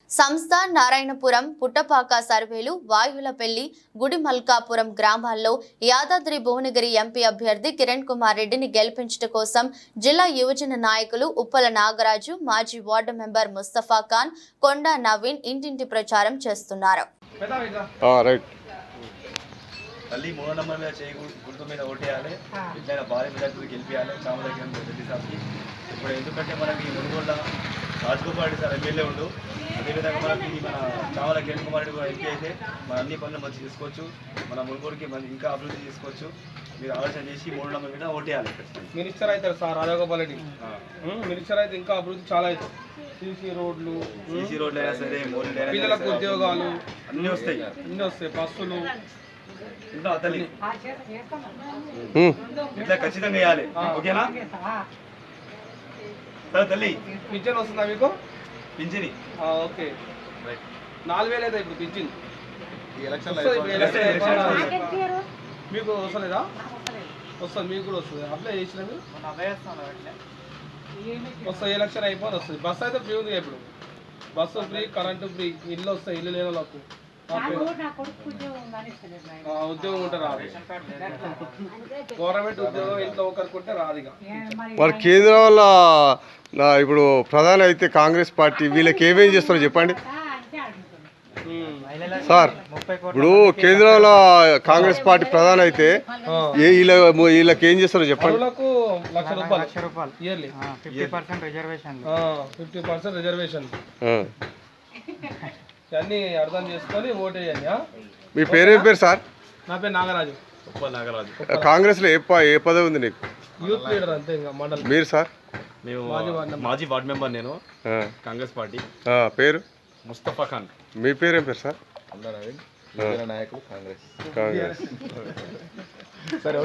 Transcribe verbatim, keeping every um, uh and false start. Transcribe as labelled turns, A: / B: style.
A: సంస్థ నారాయణపురం పుట్టపాక సర్వేలు వాయులపల్లి గుడిమల్కాపురం గ్రామాల్లో యాదాద్రి భువనగిరి ఎంపీ అభ్యర్థి కిరణ్ కుమార్ రెడ్డిని గెలిపించడం కోసం జిల్లా యువజన నాయకులు ఉప్పల నాగరాజు, మాజీ వార్డు మెంబర్ ముస్తఫా ఖాన్, కొండా నవీన్ ఇంటింటి ప్రచారం చేస్తున్నారు.
B: తల్లి మూడో నంబర్ మీద చేయి గుర్తు మీద ఓటేయాలి, ఇట్లా భారీ మెజార్టీ గెలిపించాలి చామలకి రెడ్డి సార్కి. ఇప్పుడు ఎందుకంటే మనకి మునుగోడ రాజగోపాల్ రెడ్డి సార్ ఎమ్మెల్యే ఉండు, అదేవిధంగా మనకి మన చామల కిరణ్ కుమార్ రెడ్డి కూడా ఎంపీ అయితే మన అన్ని పనులు మంచి చేసుకోవచ్చు, మన మునుగోడుకి మంచి ఇంకా అభివృద్ధి చేసుకోవచ్చు. మీరు ఆలోచన చేసి మూడు నంబర్ మీద ఓటేయాలి.
C: మినిస్టర్ అవుతారు సార్ రాజగోపాల్ రెడ్డి, మినిస్టర్ అయితే ఇంకా అభివృద్ధి చాలా అవుతుంది. సీసీ రోడ్లు
B: సీసీ రోడ్లు అయినా సరే,
C: పిల్లలకు ఉద్యోగాలు
B: అన్నీ వస్తాయి,
C: అన్నీ వస్తాయి. బస్సులు
B: తల్లి ఇట్లా ఖచ్చితంగా వేయాలి. ఓకేనా సరే తల్లి?
C: పింఛన్ వస్తుందా మీకు?
B: పింఛని
C: ఓకే, నాలుగు వేలు అయితే ఇప్పుడు పింఛన్ మీకు వస్తలేదా? వస్తుంది, మీకు కూడా వస్తుంది. అప్లై చేసినవి వస్తాయి. ఎలక్షన్ అయిపోయి వస్తుంది. బస్సు అయితే ఫ్రీ ఉంది ఇప్పుడు. బస్సు ఫ్రీ, కరెంటు ఫ్రీ, ఇల్లు వస్తాయి. ఇల్లు లేని వాళ్ళకు ఉద్యోగం ఉంటే రాదు. గవర్నమెంట్ ఉద్యోగం ఇంట్లో ఒకరికుంటే రాదు. ఇక
D: మరి కేంద్రం వల్ల ఇప్పుడు ప్రధాని అయితే కాంగ్రెస్ పార్టీ వీళ్ళకి ఏమేం చేస్తారో చెప్పండి సార్. ఇప్పుడు కేంద్రంలో కాంగ్రెస్ పార్టీ ప్రధాని అయితే వీళ్ళ వీళ్ళకి ఏం చేస్తారో చెప్పండి.
C: లక్ష రూపాయలు yearly, fifty percent reservation fifty percent reservation అన్నీ అర్థం చేసుకొని ఓటు వేయండి.
D: మీ పేరేం పేరు సార్?
C: నా పేరు నాగరాజు.
B: నాగరాజు.
D: కాంగ్రెస్ లో ఏ ఏ పదవి ఉంది నీకు?
C: యూత్ లీడర్ అంతే. ఇంకా మండలం.
D: మీరు సార్?
B: మేము మాజీ వార్డు మెంబర్. నేను కాంగ్రెస్ పార్టీ.
D: పేరు?
B: ముస్తఫా ఖాన్.
D: మీ పేరేం పేరు సార్?
B: నాయకులు కాంగ్రెస్.
D: కాంగ్రెస్. సరే.